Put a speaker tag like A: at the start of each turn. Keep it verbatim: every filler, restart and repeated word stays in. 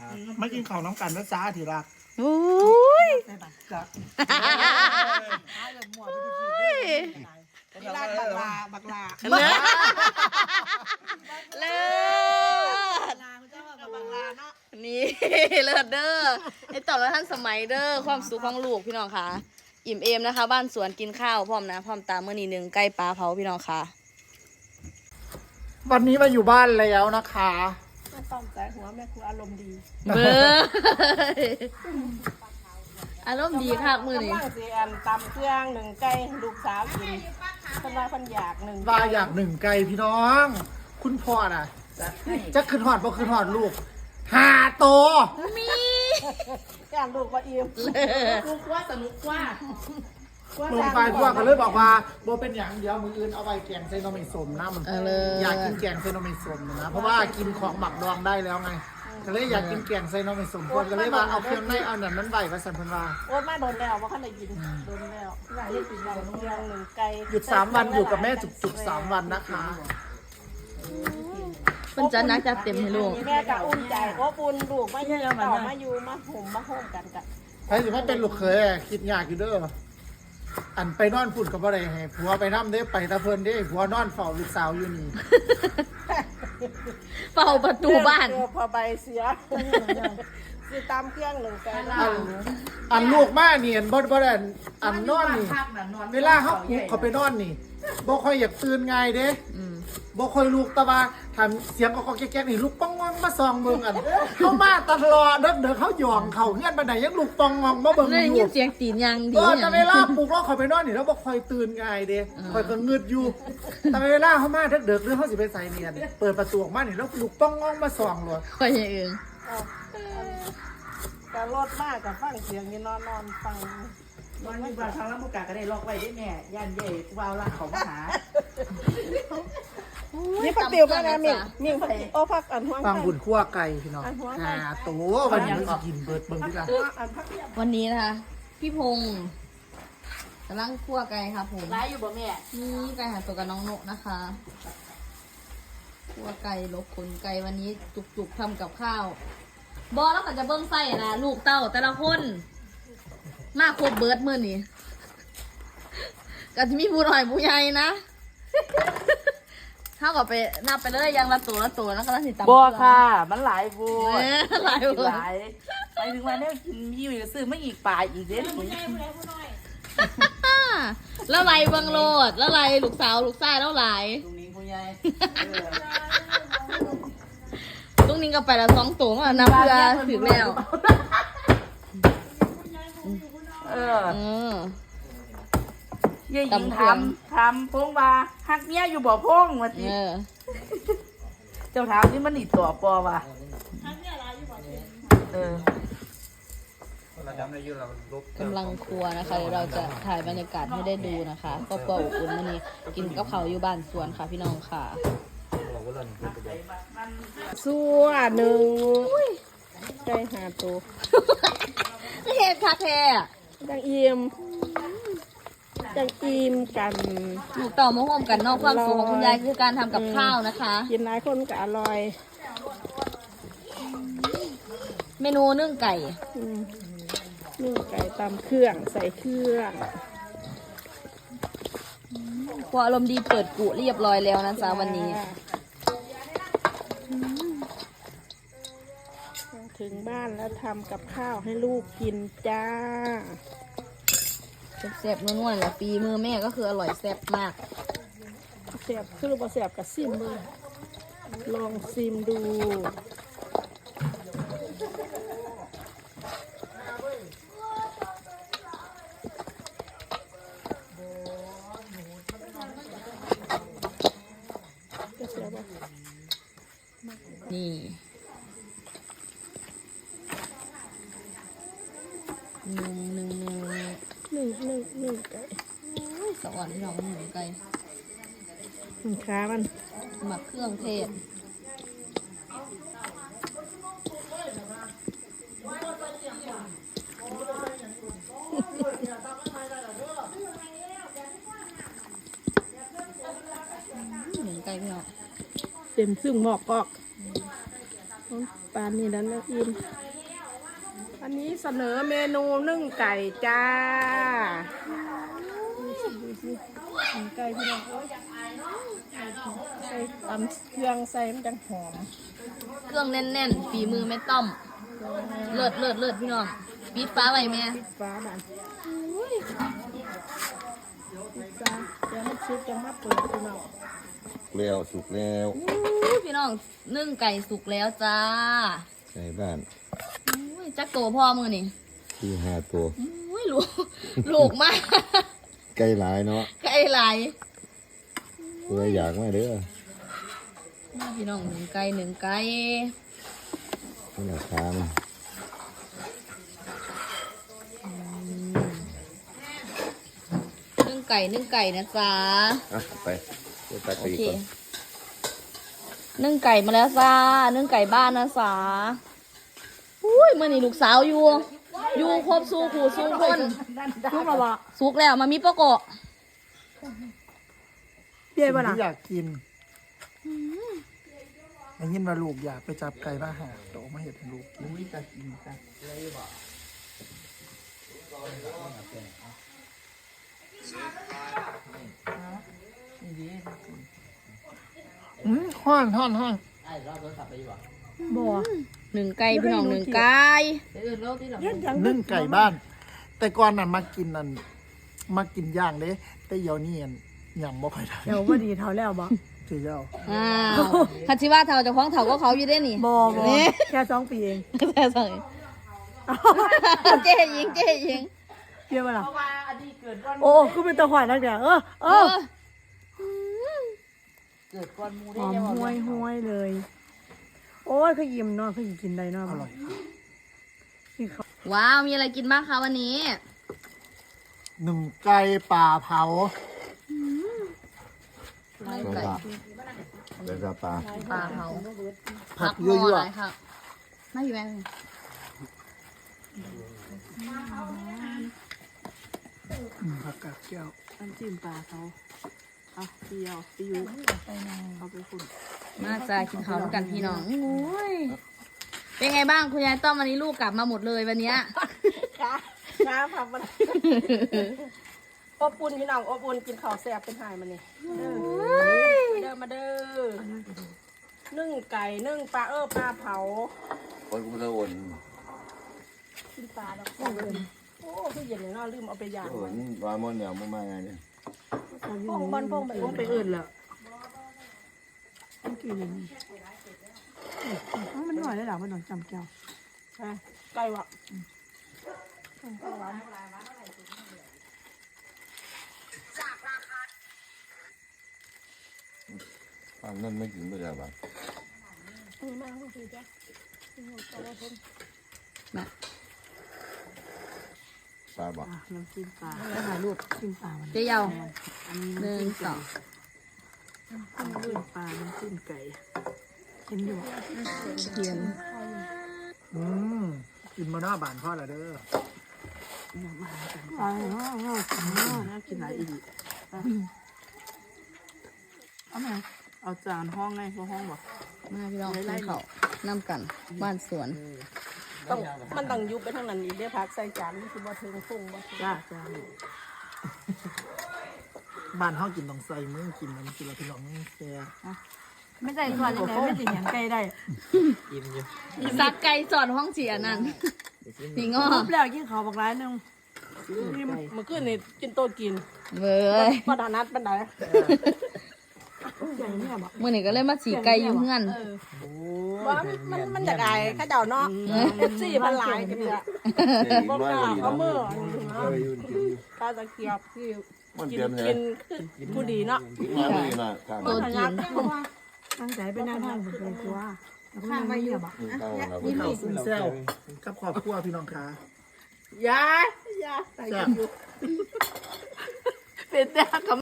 A: ไม่กินข้าวน้ำกันนะจ้าทีรัก
B: โอ้ย
A: จ้ะนี่ร้านบักลาบักลา
B: เลิศเลิ ศ
A: ลาเขาเจ้าว่ากับบักลาเนาะ
B: นี่ เลิศเด้อไอ้ต่อแล้วท่านสมัยเด้อความสุขของลูกพี่น้องค่ะอิ่มเอมนะคะ บ้านสวนกินข้าวพร้อมนะพร้อมตามเมื่อนี้หนึ่งใกล้ปลาเผาพี่น้องค่ะ
A: วันนี้มาอยู่บ้านแล้วนะคะ
C: ไม่ต้องใจหัวแม่ครูอารมณ์ดี
B: เบอร์อารมณ์ดีค่ะมือนี้
C: กำลังสีอันตำเครื่องหนึ่งไก่ลูกสาวกินคนว่าคนอยากหนึ่ง
A: ว่าอยากหนึ่งไก่พี่น้อง คุณพ่อน่ะจะขึ้นหอดบ่ขึ้นหอดลูกหาโต
B: มี
C: อยากลูกว่าอิ่มลูกว่าสนุกว่า
A: ลงไปพวกก็เลยบอกว่าโบเป็นอย่างเดียวมืออื่นเอาไปแกงใส่นมไม่สมนะมัน
B: เออเลย
A: อยากกินแกงใส่นมไม่สมนะเพราะว่ากินของหมักดองได้แล้วไงก็เลยอยากกินแกงใส่นมไม่สมคนก็เลยว่าเอาเครื่องในเอาหนังนั้นใบมาสั่นเพิ่นว่า
C: โอ๊ตมาโดนแล้วว่าเขาได้ยินโดนแล้วอยากให้กินเราเครื่องหนึ่งไก่
A: หยุดสามวันอยู่กับแม่จุกๆสามวันนะคะ
B: เป็นจัดนักจัดเต็มให้ลูก
C: แม่กับอุ่นใจโอ้ปุ่นลูกไม่ยืนต่อมาอยู่มาห่มมาโฮมกันกัน
A: ใครสิว่าเป็นลูกเคยอะคิดยากอยู่เด้ออันไปนอนพุ่นกับบ่ได้ให้ผัวไปทำเด้ไปตะเพิ่นเด้ผัวนอนเฝ้าลูกสาวอยู่นี่
B: เฝ้าประตูบ้าน
C: พอใบเสียคือตามเครื่องหนึ่งไก่ละ
A: อันอันลูกมานี่อันบ่บ่ได้อันนอนนี่เวลาเฮาปลุกเขาไปนอนนี่บ่ค่อยอยากตื่นง่ายเด้
B: อืม
A: บ่ค่อยลุกแต่ว่าทำเสียงก็แก๊กๆนี่ลูกป้องงองมาส่องเบิ่งอันเข้ามาตลอดเด้อเด้อเขาหย่องเขาเฮือนบันไดยังลูกป้องงองมาเบิ่ง
B: ได้
A: อ
B: ยิ
A: ยู่
B: นเสียงตีนยังดี
A: เออ
B: อ
A: แต่
B: ย่าง
A: เวลาปลุกเราเขาไปนอนนี่เราบ่ค่อยตื่นง่ายเด้ค่อยก็งึดอยู่ แต่เวลาเขามาเด็กๆหรือเขาสิไปใส่เนียนเปิดประตูออกมานี่แล้วลูกป้องงองมาส่องเลย
B: คอยอย่างอื่น
C: แต่รถมากกับฟังเสียงนี่นอนนอนฟัง
D: วันนี้บางครั้งแล้วมุกกาก็ได้ล็อกไว้ได้แม่ย่านเย่วาวละเขามาหา
C: นี่พักติวมาแล้วมิ่งมิ่งพักโอ้พักอันห้วง
A: ฟังบุญคั่วไก่พี่น้องหาตัววันนี้สิกินเบิดเบิ่งดีกว่า
C: อันพักเดียว
B: วันนี้นะคะ พี่พงศ์กำลังคั่วไก่ค่ะผม
D: ร้ายอยู่บ่แม่
B: นี่ไก่หาตัวกับน้องนกนะคะคั่วไก่ลบขนไก่วันนี้จุกๆทำกับข้าว บอแล้วก็จะเบิ้งไส้นะลูกเต้าแต่ละคน มาครบเบิร์ดมือนี่ก็จะมีผู้หน่อยผู้ใหญ่นะเท่ากับไปนับไปเลยยังละตัวละตัวแล้วก็ละสิตำ
D: บ่ค่ะ มันหลายบู
B: เออหลาย
D: ห
B: เบิร์ด
D: ลายไปถึงวันนี้กินมีอยู่ซื้อไม่อีกป่าอีกเด้หนู
B: แล้วไรเบังโลดแล้วไรลูกสาวลูกชายแล้วไร
D: ตรงนี้ผู้ใหญ่
B: ตรงนี้ก็ไปละสองตัวมานับเพื่อถึงแล้ว
D: เออ
B: เออ
D: เย่หญิงทำทำพงว่าฮักเมียอยู่บ่พงว่า
B: เอ
D: สิ
B: อ
D: เจ้าถามนี่มันหนีตัวปอว่ะเออก
B: ำลังครัวนะคะเดี๋ยวเราจะถ่ายบรรยากาศให้ได้ดูนะคะครอบครัวอบอุ่นวันนี้กินกับเขาวอยู่บ้านสวนค่ะพี่น้องค่ะ
C: สัวหนึ่งไก่หาตัว
B: เฮ็ดคักแท้
C: จังอิ่มจังอิ่มกัน
B: ลูกเต่ามาห่มกันนอกความสุขของคุณยายคือการทำกับข้าวนะคะ
C: กินหลายคนก็อร่อย
B: เมนูนึ่งไก่
C: อืมนึ่งไก่ตำเครื่องใส่เครื่อง
B: ครัวอารมณ์ดีเปิดกุเรียบร้อยแล้วนะจ๊ะวันนี้
C: ถึงบ้านแล้วทำกับข้าวให้ลูกกินจ้า
B: แซ่บๆนุ่นๆแหละปีมือแม่ก็คืออร่อยแซ่บมาก
C: เสียบคือบ่เสียบกับซิมดูลองซิมดูจะเสียบบ่
B: นี่หนึ่งหนึ่งหนึ่ง
C: หนึ่งหนึ่งหนึ่งไก่
B: สวรรค์พี่น้องหนึ่งไก่
C: หนึ่งขามัน
B: หมักเครื่องเทศหนึ่งไก่พี่น้อง
C: เต็มซึ่งหมอกกอกปานนี้นั้นแล้วอิ่มอันนี้เสนอเมนูนึ่งไก่จ้าดูสิดูสินึ่งไก่พี่น้องโอ้ยใส่ตำเครื่องใส่มันจังหอม
B: เครื่องแน่นๆฝีมือแม่ต้อมเลิศเลิศเลิศพี่น้องปิดฟ้าไว้แม่
C: ปิดฟ้าบ้านอุ้ยปิดฟ้าเดี๋ยวมันซุปจะมาเปิดพี่น้อง
E: แล้วสุกแล้ว
B: อู้พี่น้องนึ่งไก่สุกแล้วจ้า
E: ในบ้าน
B: อุ้ยจักโตพ่อมือนี่
E: ที่ห้าตัว
B: อุ้ยลูกลูกมาก
E: ไก่หลายเนาะ
B: ไก่ไหลาย
E: เพื่ออยากมาเด้อ
B: พี่น้องหนึ่งไก่หนึ่งไก่
E: นี่ราคามัน
B: นึ่งไก่นึ่งไก่นะจ๊ะ
E: อ่ะไปเดี๋ยวตัด
B: โอ
E: ไปอีก
B: เค
E: ก่อน
B: นึ่งไก่มาแล้วจ้านึ่งไก่บ้านนะจ๊ะอุ้ยมื่อนี่ลูกสาวอยู่อยู่ครบสู้ขู่สู้คน
C: ซุปละบ่
B: สุกแล้วมามีปะโกะ
C: เปรี้ยวบ่ล่ะ
A: ที่อยากกินได้ยินว่าลูกอยากไปจับไก่มาหาโตมาเห็ดให้ลูกกินวิจะกินกันอืมห้อนห้อนห้อน
C: บ่
B: หนึ่งไก่พี่น้องหนึ่งไก่
C: เฮ็ดหยัง
A: นึ่งไก่บ้าน แต่ก่อนนั้นมากินนั่นมากินย่างเด้แต่เดี๋ยวนี้อันยังบ่ค่อยได้
C: เดี๋ยวบ่ดีเท่าแล้วบ่
A: ถือเจ้า
B: อ้าวคันชิว่าเท่าเจะคล้าของเท่าก็เขาอยู่ได้นี่
C: บ่บ่แค่สองปีเอง
B: แต่สั่งเจ๊ยิงเจ๊ยิง
C: เปรี้ยวบ่ล่ะ
D: เพราะว่าอดีตเกิดก่อน
C: โอ้คือเป็นตะหวานนักเดียวเออเอ
B: เอ
C: อ
B: อ
D: เกิดก่อนหมู
C: ห
D: ได้
C: อม
D: ยัง
C: ห้วยห้วยเลย โอ้ยเขายิ้มเนาะเขากินได้เนาะ
A: อร่อยครับ
C: นี่เขา
B: ว้าวมีอะไรกินบ้างคะวันนี้
A: หนึ่งไก่ป่าเผา
B: ไก่
E: แล้ว
B: ไก่
E: ก็แล้วก็ปลา
B: ปลาเผา
A: ผัก
B: หม้
A: ยั่
B: อ
A: ว
B: อะไรค่ะไม่อยู่แม่
A: ๆอืมผักกาดแก้ว
D: น้ำจิ้มปลาเขาเอาเดียวไปอยู่เอาไปคุณ
B: มาจ้ากินข้าวด้วยกันพี่น้องโอ้ยเป็นไงบ้างคุณยายต้อมวันนี้ลูกกลับมาหมดเลยวันเนี้ย
C: ขาขาผักมันอบอุ่นพี่น้องอบอุ่นกินข้าวแซ่บเป็นหายมันนี่เด้อมาเด้อนึ่งไก่นึ่งปลาเออปลาเผา
E: คนกูจะโอน
C: กินปลาแล้วก็โอ้คือเย็นเลยเนาะลืมเอาไปย่าง
E: โอนวามอนเนี่ยมันมาไงเนี่ย
C: พงบอลพงไปพงไปอื่นแล้วมันกี่เลยมันหน่อยได้หรอมันหน่อยจำแก้วใช่ไก่วะ
E: ฟังนั่นไม่กินไม่ได้บ้าง
C: มาก็คือจ้ะ
B: มา
E: ปลาบอก
D: น้ำจิ้มปลา
C: แล้วถ่ายรูปกินปลามัน
B: เจ๊เยาว
D: อันนี้
B: หนึ่งสอง
D: น้ำจิ้มปลาน้ำจิ้มไก่
C: เห็นอยู่
B: เทียน
A: อืมกินมาหน้าบานพ่อละเด้อ
D: น้ำมากัน
C: ปลาเนาะเนาะ
D: น่ากินหลายอีก
C: เอาไหม
D: เอาจานห้องไงพวกห้องบอก
B: มาพี่น้องกินข้าวน้ำกันบ้านสวน
C: ต้องมันต้องยุบไปทางนั้นอีกเดี๋ยวพักใส่จานนี่คือบ่ถึงฟุ้งบ่
D: จ้าจ้า
A: บ้านเฮากินต้องใส่มือกินมันกินแล้วพี่น้องแซ่
C: ไม่ใส่ส่วนยังไงไม่ติดอย่างไก่ได้
B: ซักไก่สอนห้องเสียนั่นพี่ง้อ
C: รูปแล้วกินข้าวบักร้ายนึงนี่เมื่อคืนนี่กินโต๊ะกิน
B: เว้ย
C: บ่ถนัดปานใดใหญ่แม่บ่
B: มื่อนี้ก็เลยมาสีไก่อยู่เฮือน
C: ว่ามันมันจะได้ข้าเจ้าเนาะสี่พันหลายกันเนี่ยบ่กล้าเอามือตาตะเกียบที่
E: มัน
C: กิ
E: เตรีย
C: น
E: มเลย
C: กินคือผู้ดีเนาะ
E: มาไม่ดีนะข้าง
B: ตัวจริง
C: ตั้งใจไปนั่งทางผมเลยว่าข้างไปอยู่บ่
E: ข้างเรา
A: บข้าวซึ่งแซ่บกับครอบครัวพี่น้องคะ
C: ยายยาใส่อยู่เป็นแต่กับ